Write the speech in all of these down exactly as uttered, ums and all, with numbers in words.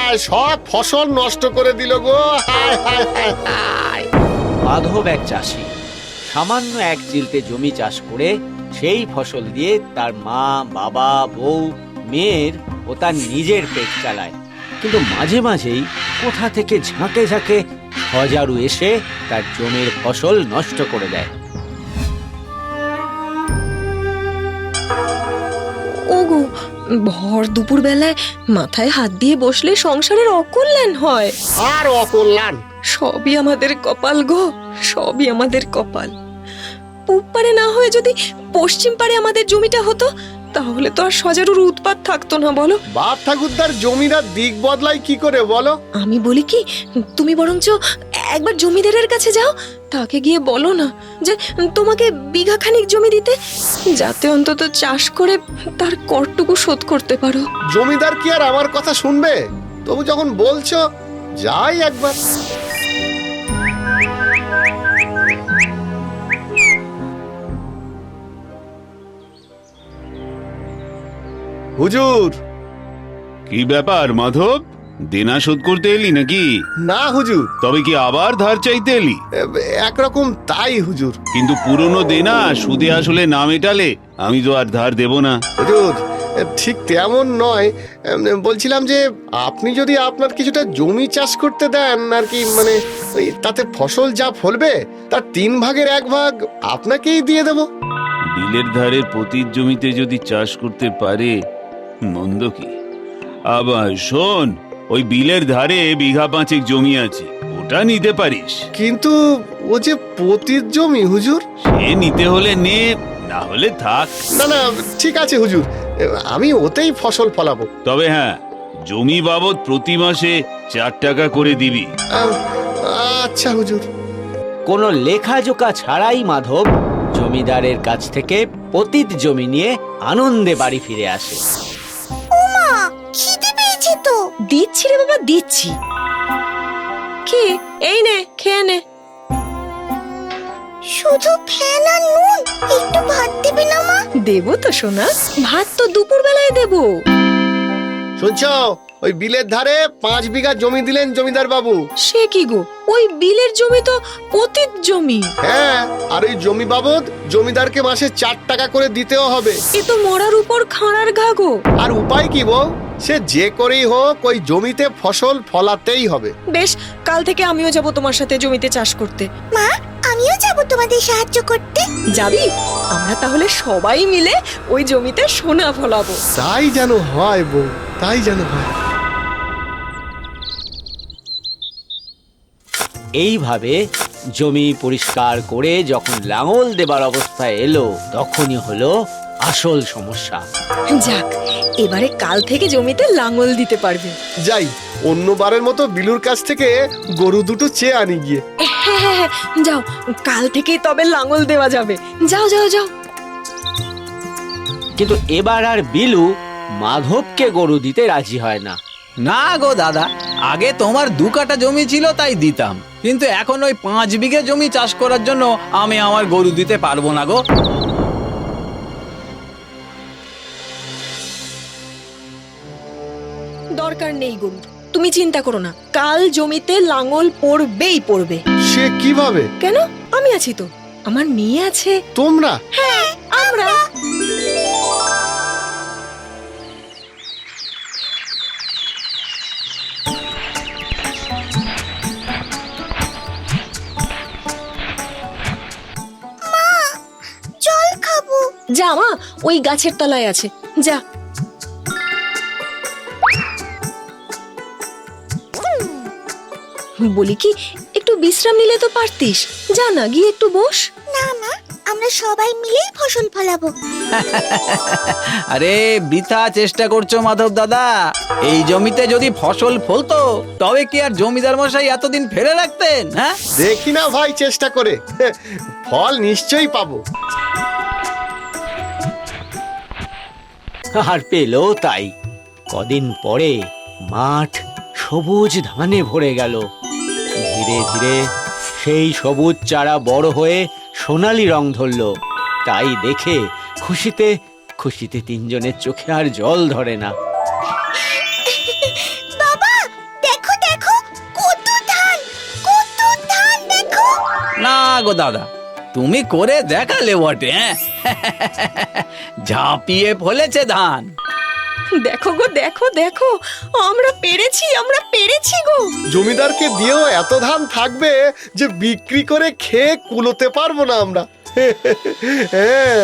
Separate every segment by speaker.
Speaker 1: হায়, সব ফসল নষ্ট করে দিল গো। হায় হায় হায় হায়।
Speaker 2: মাধব এক চাষি, সামান্য এক চিলতে জমি চাষ করে সেই ফসল দিয়ে তার মা, বাবা, বউ, মেয়ের ও তার নিজের পেট চালায়। কিন্তু মাঝে মাঝেই কোথা থেকে ঝাঁকে ঝাঁকে হজারু এসে তার জমির ফসল নষ্ট করে দেয়।
Speaker 3: ওগো, ভর দুপুর বেলায় মাথায় হাত দিয়ে বসলে সংসারের অকল্যাণ হয়।
Speaker 1: আর অকল্যাণ।
Speaker 3: সবই আমাদের কপাল গো, সবই আমাদের কপাল। পূব পারে না হয়ে যদি পশ্চিম পারে আমাদের জমিটা হতো, তাহলে তো আর সজারুর উৎপাত থাকতো না, বলো।
Speaker 1: বাপ ঠাকুরদার জমিদার দিক বদলায় কি করে বলো?
Speaker 3: আমি বলি কি, তুমি বরঞ্চ একবার জমিদারের কাছে যাও, তাকে গিয়ে বলো না যে তোমাকে বিঘা খানিক জমি দিতে, যাতে অন্তত চাষ করে তার করটুকু শোধ করতে পারো।
Speaker 1: জমিদার কি আর আমার কথা শুনবে? তবু যখন বলছো, যাই একবার। হুজুর।
Speaker 4: কি ব্যাপার মাধব, দেনা শোধ করতে এলি নাকি?
Speaker 1: না হুজুর।
Speaker 4: তবে কি আবার ধার চাইতে এলি?
Speaker 1: একরকম তাই হুজুর।
Speaker 4: কিন্তু পুরনো দেনা সুদে আসলে না মেটালে আমি তো আর ধার দেব না।
Speaker 1: হুজুর, ঠিক তেমন নয়। বলছিলাম যে আপনি যদি আপনার কিছুটা জমি চাষ করতে দেন আর কি, মানে তাতে ফসল যা ফলবে তার তিন ভাগের এক ভাগ আপনাকেই দিয়ে দেব।
Speaker 4: বিলের ধারের পতির জমিতে যদি চাষ করতে পারে মন্দ কি? আবার শোন, ওই বিলের ধারে বিঘা পাঁচেক জমি আছে, ওটা নিতে পারিস।
Speaker 1: কিন্তু ও যে পতির জমি হুজুর।
Speaker 4: সে নিতে হলে নে, না হলে থাক।
Speaker 1: না না, ঠিক আছে হুজুর, আমি ওতেই ফসল ফলাবো।
Speaker 4: তবে হ্যাঁ, জমি বাবদ প্রতি মাসে চার টাকা করে দিবি।
Speaker 1: আচ্ছা হুজুর।
Speaker 2: কোনো লেখাজোকা ছাড়াই মাধব জমিদারের কাছ থেকে পতিত জমি নিয়ে আনন্দে বাড়ি ফিরে আসে।
Speaker 5: ওমা, খিদে পেয়েছে তো।
Speaker 3: দিচ্ছি রে বাবা, দিচ্ছি। কি, এই নে, খেয়ে নে।
Speaker 5: শুধু ফ্যান আর নুন, একটু ভাত দেবে না মা?
Speaker 3: দেবো তো সোনা, ভাত তো দুপুর বেলায় দেবো।
Speaker 1: শুনছো, ওই বিলের ধারে পাঁচ বিঘা জমি দিলেন জমিদার বাবু।
Speaker 3: সে কি গো, ওই বিলের জমি তো পতিত জমি।
Speaker 1: হ্যাঁ, আর ওই জমি বাবদ জমিদারকে মাসে চার টাকা করে দিতেও হবে।
Speaker 3: এ তো মরার উপর খাঁড়ার ঘা গো।
Speaker 1: আর উপায় কি বউ? সে যে করেই হোক ওই জমিতে ফসল ফলাতেই হবে।
Speaker 3: বেশ, কাল থেকে আমিও যাব তোমার সাথে জমিতে চাষ করতে।
Speaker 5: মা, আমিও যাব তোমাদের সাহায্য করতে।
Speaker 3: যাবি? আমরা তাহলে সবাই মিলে ওই জমিতে সোনা ফলাবো।
Speaker 1: তাই যেন হয় বউ, তাই যেন হয়।
Speaker 2: এইভাবে জমি পরিষ্কার করে যখন লাঙল দেবার অবস্থায় এলো, তখনই হলো আসল সমস্যা।
Speaker 3: যাক, এবারে কাল থেকে জমিতে লাঙল দিতে পারবে।
Speaker 1: যাই, অন্যবারের মতো বিলুর কাছ থেকে গরু দুটো চেয়ে আনি গিয়ে।
Speaker 3: হ্যাঁ হ্যাঁ হ্যাঁ, যাও, কাল থেকেই তবে লাঙল দেওয়া যাবে। যাও যাও যাও।
Speaker 2: কিন্তু এবার আর বিলু মাধবকে গরু দিতে রাজি হয় না।
Speaker 6: না গো দাদা, আগে তোমার দু কাঠা জমি ছিল তাই দিতাম, কিন্তু এখন ওই পাঁচ বিঘে জমি চাষ করার জন্য আমি আমার গরু দিতে পারবো না গো।
Speaker 3: দরকার নেই গরু, তুমি চিন্তা করো না, কাল জমিতে লাঙল পড়বেই পড়বে।
Speaker 1: সে কিভাবে?
Speaker 3: কেন, আমি আছি তো, আমার মেয়ে আছে।
Speaker 1: তোমরা?
Speaker 3: হ্যাঁ, আমরা।
Speaker 5: জল খাবো।
Speaker 3: যা মা, ওই গাছের তলায় আছে, যা। বলি কি, একটু বিশ্রাম নিলে তো পারতিস, যা না, গিয়ে একটু বস।
Speaker 5: না মা, আমরা সবাই মিলেই ফসল ফলাবো।
Speaker 6: আরে বৃথা চেষ্টা করছো মাধব দাদা, এই জমিতে যদি ফসল ফলতো তবে কি আর জমিদার মশাই এতদিন ফেলে রাখতেন? হ্যাঁ,
Speaker 1: দেখি না ভাই চেষ্টা করে, ফল নিশ্চয়ই পাবো।
Speaker 2: আর পেলো তাই। কদিন পরে মাঠ সবুজ ধানে ভরে গেল। ধীরে ধীরে সেই সবুজ চারা বড় হয়ে সোনালি রং ধরল। তাই দেখে খুশিতে খুশিতে তিনজনের চোখে আর জল ধরে না।
Speaker 5: বাবা,
Speaker 6: গো দাদা, তুমি করে দেখালে বটে। হ্যাঁ ঝাঁপিয়ে ফলেছে ধান।
Speaker 3: দেখো গো, দেখো দেখো, আমরা পেরেছি, আমরা পেরেছি গো।
Speaker 1: জমিদারকে দিয়েও এত ধান থাকবে যে বিক্রি করে খেয়ে কুলোতে পারবো না আমরা। হ্যাঁ।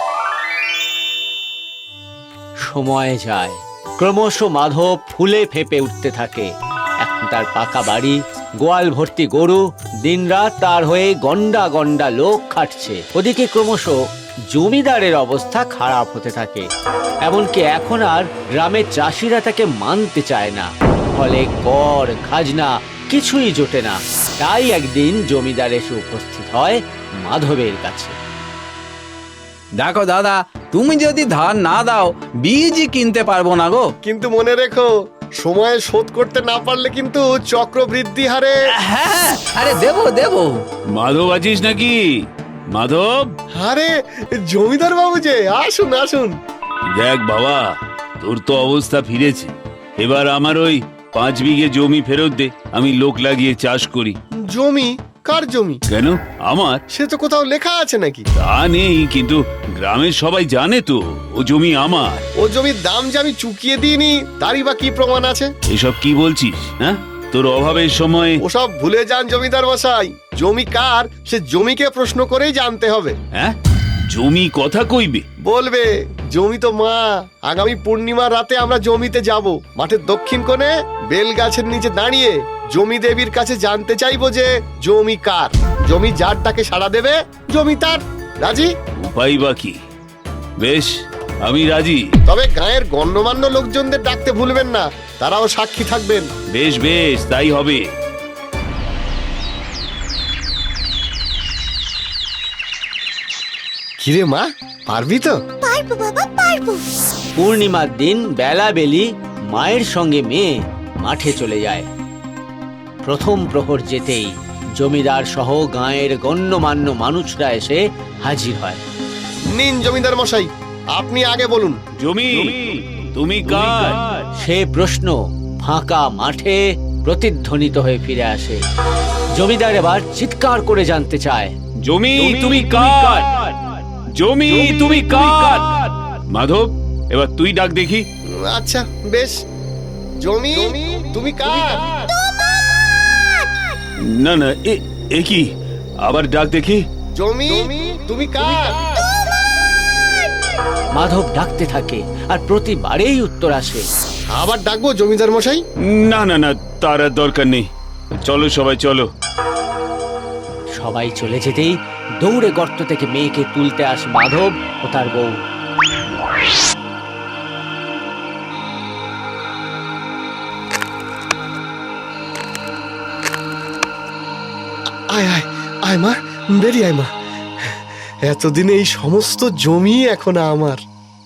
Speaker 2: সময় যায়, ক্রমশ মাধব ফুলে ফেপে উঠতে থাকে। এখন তার পাকা বাড়ি, গোয়াল ভর্তি গরু, দিনরাত তার হয়ে গন্ডা গন্ডা লোক খাটছে। ওদিকে ক্রমশ জমিদারের অবস্থা খারাপ হতে থাকে, এমনকি এখন আর গ্রামের চাষিরা তাকে মানতে চায় না। ফলে কর খাজনা কিছুই জোটে না। তাই একদিন জমিদার এসে উপস্থিত হয় মাধবের কাছে।
Speaker 6: দেখো দাদা, তুমি যদি ধান না দাও বীজই কিনতে পারবো না গো।
Speaker 1: কিন্তু মনে রেখো, সময়ে শোধ করতে না পারলে কিন্তু চক্রবৃদ্ধি হারে।
Speaker 6: হ্যাঁ, আরে দেবো দেবো।
Speaker 4: মাধব আছিস নাকি? মাধব,
Speaker 1: আরে জমিদার বাবু যে, আসুন আসুন।
Speaker 4: দেখ বাবা, তোর তো অবস্থা ফিরেছে। এবার আমার ওই পাঁচ বিঘে জমি ফেরত দে, আমি লোক লাগিয়ে চাষ করি।
Speaker 1: জমি? কার জমি?
Speaker 4: কেন? আমার।
Speaker 1: সে তো কোথাও লেখা আছে নাকি?
Speaker 4: তা নেই, কিন্তু গ্রামের সবাই জানে তো ও জমি আমার।
Speaker 1: ও জমির দাম যে আমি চুকিয়ে দিইনি, তারই বা কি প্রমাণ আছে?
Speaker 4: এসব কি বলছিস? হ্যাঁ, তোর অভাবের সময়।
Speaker 1: ওসব ভুলে যান জমিদার মশাই। জমি কার সে জমিকে প্রশ্ন করেই জানতে হবে।
Speaker 4: হ্যাঁ, জমি কথা কইবে?
Speaker 1: বলবে, জমি তো মা। আগামী পূর্ণিমার রাতে আমরা জমিতে যাব। মাঠের দক্ষিণ কোণে বেল গাছের নিচে দাঁড়িয়ে জমি দেবীর কাছে জানতে চাইবো যে জমি কার। জমি যার ডাকে সাড়া দেবে, জমি তার। রাজি?
Speaker 4: উপায় বা কি? বেশ, আমি রাজি।
Speaker 1: তবে গায়ের গণ্যমান্য লোকজনদের ডাকতে ভুলবেন না, তারাও সাক্ষী থাকবেন।
Speaker 4: বেশ বেশ, তাই হবে।
Speaker 1: কিরে মা, পারবি তো?
Speaker 5: পারবো বাবা, পারবো।
Speaker 2: পূর্ণিমার দিন বেলা বেলি মায়ের সঙ্গে মেয়ে মাঠে চলে যায়। প্রথম প্রহর যেতেই জমিদার সহ গাঁয়ের গণ্যমান্য মানুষরা এসে হাজির হয়।
Speaker 1: নিন জমিদার মশাই, আপনি আগে বলুন।
Speaker 4: জমি তুমি কার?
Speaker 2: সে প্রশ্ন ফাঁকা মাঠে প্রতিধ্বনিত হয়ে ফিরে আসে। জমিদার এবার চিৎকার করে জানতে চায়,
Speaker 4: জমি তুমি কার? জমি তুমি কার? মাধব, এবার তুই ডাক দেখি।
Speaker 1: আচ্ছা বেশ। জমি তুমি কার?
Speaker 4: না না, এ এ কি? আবার ডাক দেখি।
Speaker 1: জমি তুমি কার?
Speaker 2: মাধব ডাকতে থাকে আর প্রতিবারেই উত্তর আসে।
Speaker 1: আবার ডাকবো জমিদার মশাই?
Speaker 4: না না না, তার আর দরকার নেই। চলো সবাই চলো।
Speaker 2: সবাই চলে যেতেই দৌড়ে গর্ত থেকে মেয়েকে তুলতে আসে মাধব ও তার বউ।
Speaker 1: আয় আয় আয় মা, বেরিয়ে আয় মা। এতদিনে এই সমস্ত জমি এখন আমার।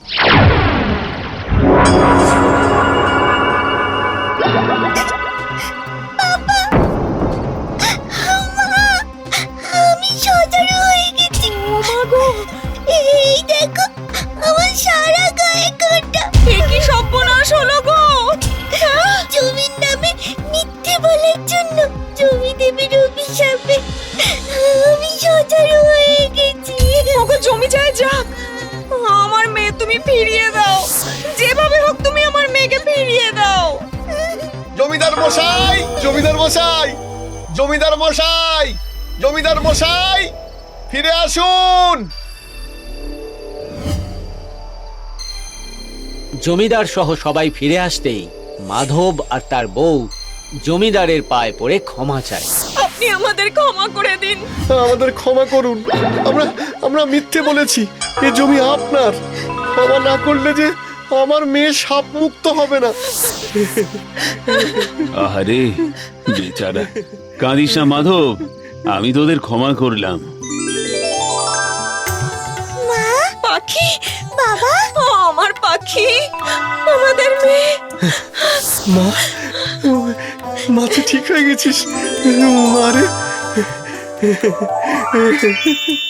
Speaker 5: আমি সজারু হয়ে গেছি। এই দেখো, আমার সারা গায়ে কাঁটা।
Speaker 3: কি সর্বনাশ হলো গো!
Speaker 5: জমির নামে মিথ্যে বলার জন্য জমি দেবীর অভিশাপে আমি সজারু হয়ে গেছি।
Speaker 3: ওগো, জমি যায় যাক, আমার মেয়ে তুমি ফিরিয়ে দাও। যেভাবে হোক তুমি আমার মেয়েকে ফিরিয়ে দাও।
Speaker 1: জমিদার মশাই, জমিদার মশাই, জমিদার মশাই, জমিদার মশাই, ফিরে আসুন।
Speaker 2: জমিদার সহ সবাই ফিরে আসতেই মাধব আর তার বউ জমিদারের পায়ে পড়ে ক্ষমা চায়।
Speaker 3: আপনি আমাদের ক্ষমা করে দিন।
Speaker 1: আমাদের ক্ষমা করুন। আমরা আমরা মিথ্যে বলেছি। এ জমি আপনার। ক্ষমা না করলে যে আমার মেয়ে সাপ মুক্ত হবে না।
Speaker 4: আহারে বেচারা, কাঁদিস না মাধব, আমি তোদের ক্ষমা করলাম।
Speaker 5: মা,
Speaker 3: পাখি,
Speaker 5: বাবা,
Speaker 3: ও আমার পাখি, আমাদের মেয়ে।
Speaker 1: মা, মা তুই ঠিক হয়ে গেছিস। মারে